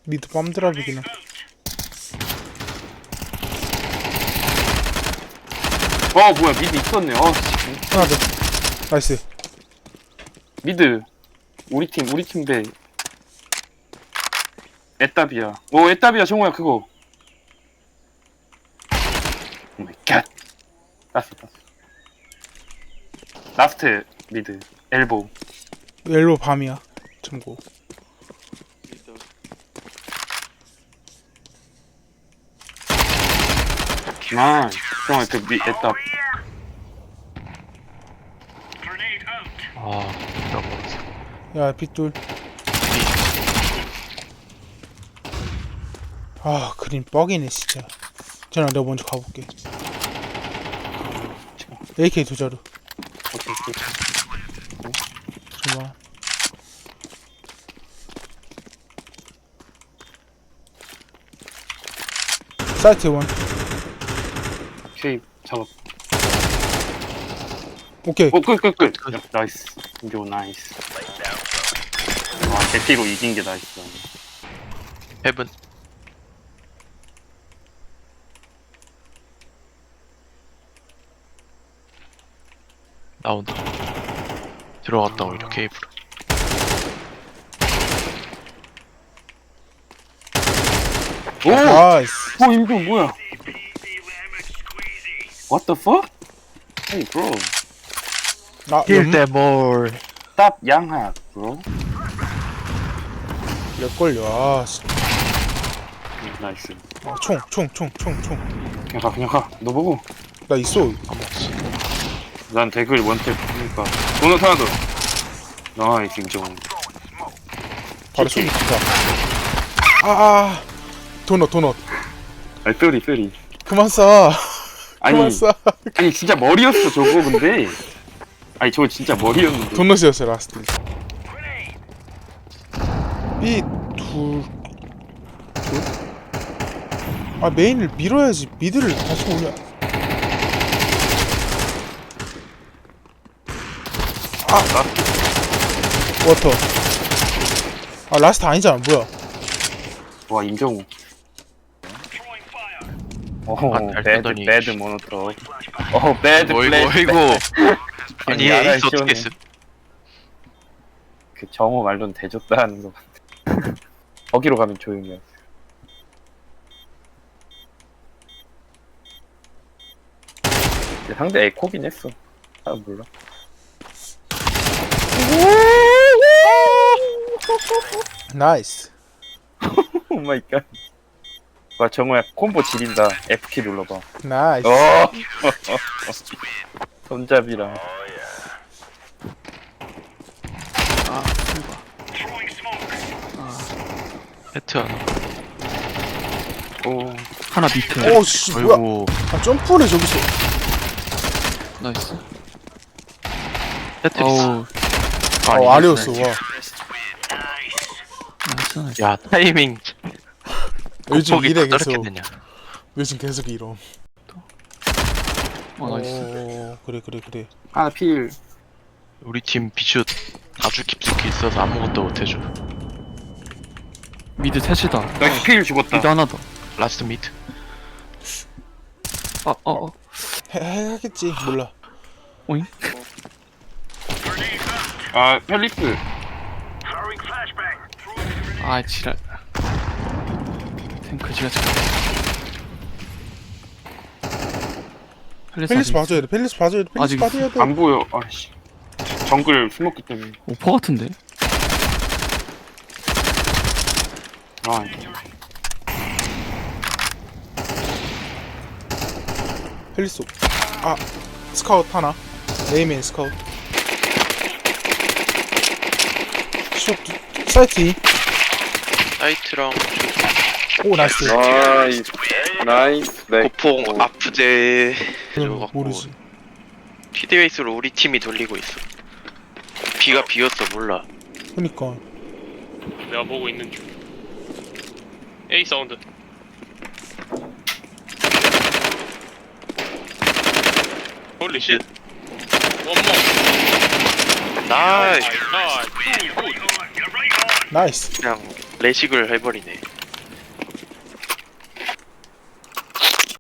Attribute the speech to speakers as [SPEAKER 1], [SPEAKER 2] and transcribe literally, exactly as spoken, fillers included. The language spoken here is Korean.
[SPEAKER 1] 미드 빰드랍이기는.
[SPEAKER 2] 어 뭐야 미드 있었네. 어 씨.
[SPEAKER 1] 하나 더. 나이스.
[SPEAKER 2] 미드 우리 팀 우리 팀 대 에따비야. 오 에따비야 정우야 그거. 오 마이 갓. 땄어 땄어. 라스트 미드 엘보.
[SPEAKER 1] 옐로우 밤이야. 참고.
[SPEAKER 2] 아 정우야 그 미, 에따.
[SPEAKER 3] 아, 나 모르겠어.
[SPEAKER 1] 야, 빗돌. 아, 그림 뻑이네, 진짜. 전화 내가 먼저 가볼게. 에이케이 두 자루.
[SPEAKER 2] 오케이 오케이.
[SPEAKER 1] 잠깐만. 사이트 원.
[SPEAKER 2] 오케이 작업.
[SPEAKER 1] 오케이.
[SPEAKER 2] 오끝끝끝. 나이스. 인조 나이스. 와 대피로 이긴 게 나이스.
[SPEAKER 3] 헤븐. 나온다. 들어갔다 오히려 케이블.
[SPEAKER 2] 오!
[SPEAKER 1] 나이스.
[SPEAKER 2] 오 인조 뭐야? What the fuck? Hey bro.
[SPEAKER 1] 아,
[SPEAKER 3] 힐
[SPEAKER 1] 연-
[SPEAKER 3] 데몰.
[SPEAKER 2] Stop 양학 bro.
[SPEAKER 1] 몇 걸려. 아, 씨.
[SPEAKER 2] 나이스.
[SPEAKER 1] 아, 총, 총, 총, 총, 총.
[SPEAKER 2] 그냥 가 그냥 가. 너 보고.
[SPEAKER 1] 나 있어.
[SPEAKER 3] 안 먹었어.
[SPEAKER 2] 난 댓글 원탭 보니까. 도넛 하나 더. 나이스 인정.
[SPEAKER 1] 바로 쏘기 좋다. 아, 아. 도넛, 도넛.
[SPEAKER 2] 아니 뼈리 뼈리.
[SPEAKER 1] 그만 쏴.
[SPEAKER 2] 아니
[SPEAKER 1] 그만 쏴.
[SPEAKER 2] 아니 진짜 머리였어 저거 근데. 아니 저거 진짜 머리였는데.
[SPEAKER 1] 도넛이었어, 라스트. 이 둘. 둘? 아, 메인을 밀어야지. 미드를 다시 올려. 워터. 아, 라스트 아니잖아. 뭐야.
[SPEAKER 2] 와 임정우. 오
[SPEAKER 3] 아, 잘
[SPEAKER 2] 배드
[SPEAKER 3] 쏘더니.
[SPEAKER 2] 배드 모노트로. 오 배드
[SPEAKER 3] 어이구
[SPEAKER 2] 플래시.
[SPEAKER 3] 어이구. 아니
[SPEAKER 2] 야랄
[SPEAKER 3] 에이스 어떻게
[SPEAKER 2] 시원해.
[SPEAKER 3] 했음?
[SPEAKER 2] 그 정우 말로는 대줬다 하는 거 같아. 거기로 가면 조용히 해. 근데 상대 에코긴 했어. 아 몰라.
[SPEAKER 1] 나이스.
[SPEAKER 2] 오 마이 갓. 와 정우야 콤보 지린다. F키 눌러봐.
[SPEAKER 1] 나이스.
[SPEAKER 2] 어. 손잡이랑.
[SPEAKER 3] 헤트 하나.
[SPEAKER 2] 오.
[SPEAKER 4] 하나 밑에.
[SPEAKER 1] 오, 씨, 뭐야.
[SPEAKER 3] 어이구.
[SPEAKER 1] 아, 점프를 저기서.
[SPEAKER 4] 나이스.
[SPEAKER 3] 헤트
[SPEAKER 4] 어우,
[SPEAKER 3] 있어.
[SPEAKER 1] 어, 아래였어, 와.
[SPEAKER 4] 나이스, 나이스.
[SPEAKER 3] 야 타이밍.
[SPEAKER 1] 요즘
[SPEAKER 3] 곱하기
[SPEAKER 1] 이래
[SPEAKER 3] 다
[SPEAKER 1] 계속.
[SPEAKER 3] 떨어졌느냐.
[SPEAKER 1] 요즘 계속 이럼.
[SPEAKER 4] 어, 나이스.
[SPEAKER 1] 오, 그래, 그래, 그래.
[SPEAKER 2] 하나 필.
[SPEAKER 3] 우리 팀 비슛 아주 깊숙이 있어서 아무것도 못해줘.
[SPEAKER 4] 미드 셋이다.
[SPEAKER 2] 나이스 필 죽었다.
[SPEAKER 4] 미드 하나 더.
[SPEAKER 3] 라스트 미드.
[SPEAKER 4] 아, 어, 어.
[SPEAKER 1] 해, 해야겠지. 몰라.
[SPEAKER 4] 오잉?
[SPEAKER 2] 아 펠리프.
[SPEAKER 4] 아, 지랄. 탱크 지가 잘.
[SPEAKER 1] 펠리스 봐줘야 돼. 펠리스 봐줘야 돼. 펠리스
[SPEAKER 4] 아직
[SPEAKER 1] 봐줘야 돼.
[SPEAKER 2] 안 보여. 아씨. 정글 스모크 때문에.
[SPEAKER 4] 오퍼 같은데?
[SPEAKER 2] 아.
[SPEAKER 1] 펠리스. 아, 스카우트 하나. 에이맨 스카우트. 슛. 사이트 이.
[SPEAKER 3] 사이트랑
[SPEAKER 1] 오, 나이스.
[SPEAKER 2] 나이스. 나이스. 네.
[SPEAKER 3] 고폭 아프제.
[SPEAKER 1] 그럼 모르지.
[SPEAKER 3] 피드웨이스로 우리 팀이 돌리고 있어. 비가 비었어 몰라.
[SPEAKER 1] 그니까.
[SPEAKER 5] 내가 보고 있는 중. A 사운드. 홀리 쉣. 원모.
[SPEAKER 3] 나이스.
[SPEAKER 5] 나이스.
[SPEAKER 1] 나이스.
[SPEAKER 3] 그냥 레식을 해버리네.